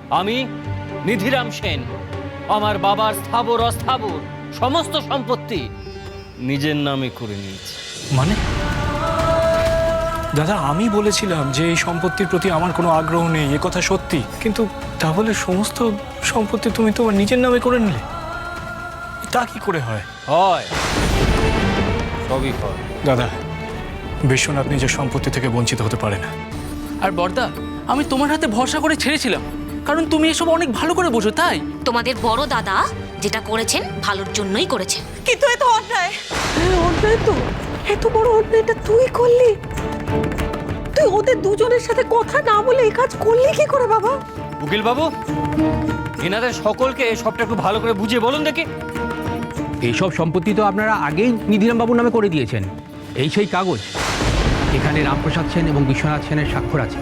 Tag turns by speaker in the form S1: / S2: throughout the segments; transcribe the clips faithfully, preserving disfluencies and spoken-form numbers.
S1: আমি নিধিরাম সেন আমার বাবার স্থাবর অস্থাবর সমস্ত সম্পত্তি নিজের নামে করে নিয়েছি।
S2: মানে দাদা, আমি বলেছিলাম যে এই সম্পত্তির প্রতি আমার কোনো আগ্রহ নেই, এ কথা সত্যি, কিন্তু তাহলে সমস্ত সম্পত্তি তুমি তোমার নিজের নামে করে নিলে? তা কি করে হয়?
S1: হয়, সবই হয়।
S2: দাদা, বিশ্বনাথ নিজের সম্পত্তি থেকে বঞ্চিত হতে পারে না।
S3: আর বর্দা, আমি তোমার হাতে ভরসা করে ছেড়েছিলাম, কারণ তুমি এসব অনেক ভালো করে বোঝো। তাই
S4: তোমাদের বড় দাদা যেটা করেছেন ভালোর জন্যই করেছেন।
S5: কিন্তু এ তো অন্যায়। হ্যাঁ অন্যায় তো, এত বড় অন্যায়টা তুই করলি। তুই ওদের দুজনের সাথে কথা না বলে এই কাজ করলি কি করে বাবা?
S1: উকিল বাবু, এনাদের সকলকে সবটা একটু ভালো করে বুঝিয়ে বলুন দেখি।
S6: এইসব সম্পত্তি তো আপনারা আগেই নিধিরাম বাবুর নামে করে দিয়েছেন। এই সেই কাগজ, এখানে রামপ্রসাদ সেন এবং বিশ্বনাথ সেনের স্বাক্ষর আছে।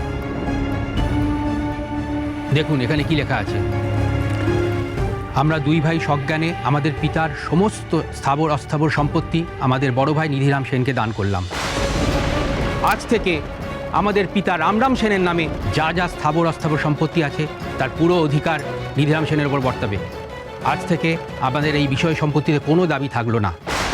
S6: দেখুন এখানে কি লেখা আছে। আমরা দুই ভাই সজ্ঞানে আমাদের পিতার সমস্ত স্থাবর অস্থাবর সম্পত্তি আমাদের বড় ভাই নিধিরাম সেনকে দান করলাম। আজ থেকে আমাদের পিতা রামরাম সেনের নামে যা যা স্থাবর অস্থাবর সম্পত্তি আছে তার পুরো অধিকার নিধিরাম সেনের উপর বর্তাবে। আজ থেকে আমাদের এই বিষয় সম্পত্তিতে কোনো দাবি থাকলো না।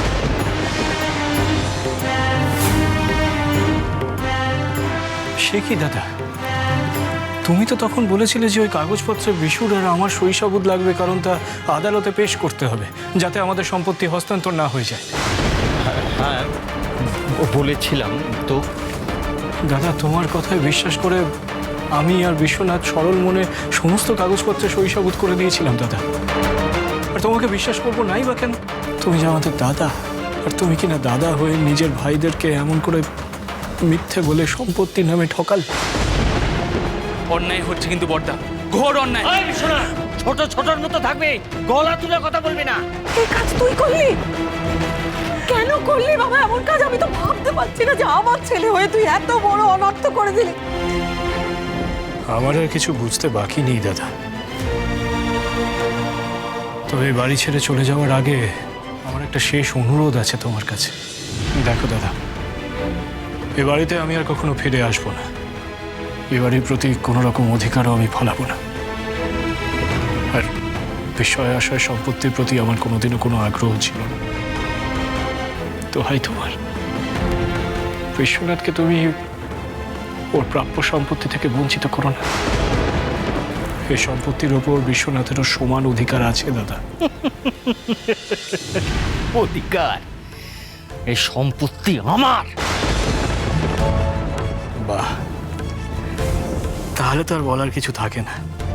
S2: সে কি দাদা, তুমি তো তখন বলেছিলে যে ওই কাগজপত্রে বিশুর আর আমার সই সাবুত লাগবে, কারণ তা আদালতে পেশ করতে হবে যাতে আমাদের সম্পত্তি হস্তান্তর না হয়ে যায়।
S1: হ্যাঁ বলেছিলাম তো।
S2: দাদা, তোমার কথায় বিশ্বাস করে আমি আর বিশ্বনাথ সরল মনে সমস্ত কাগজপত্রে সই সাবুত করে দিয়েছিলাম দাদা। আর তোমাকে বিশ্বাস করবো নাই বা কেন? তুমি যে আমাদের দাদা, আর তুমি কিনা দাদা হয়ে নিজের ভাইদেরকে এমন করে মিথ্যে বলে সম্পত্তির নামে ঠকাল।
S3: অন্যায় হচ্ছে কিন্তু বর্দা, ঘোর অন্যায়।
S1: শোনা, ছোট ছোটর মতো থাকবে, গলা তুলে কথা বলবি না।
S5: এই কাজ তুই করলি? কেন করলি বাবা এমন কাজ? আমি তো ভাবতে পারছি না যে আমার ছেলে হয়ে তুই এত বড় অনর্থ করে দিলি।
S2: আমার আর কিছু বুঝতে বাকি নেই দাদা, তবে এই বাড়ি ছেড়ে চলে যাওয়ার আগে আমার একটা শেষ অনুরোধ আছে তোমার কাছে। দেখো দাদা, এ বাড়িতে আমি আর কখনো ফিরে আসবো না। এ বাড়ির প্রতি কোনো রকম অধিকারও আমি ফলাবো না। আর বিষয় আশয় সম্পত্তির প্রতি আমার কোনোদিনও কোনো আগ্রহ ছিল না। তো হাই তোমার, বিশ্বনাথকে তুমি ওর প্রাপ্য সম্পত্তি থেকে বঞ্চিত করো না। এই সম্পত্তির ওপর বিশ্বনাথেরও সমান অধিকার আছে দাদা।
S1: অধিকার? এই সম্পত্তি আমার।
S2: বাহ, তাহলে তো আর বলার কিছু থাকে না।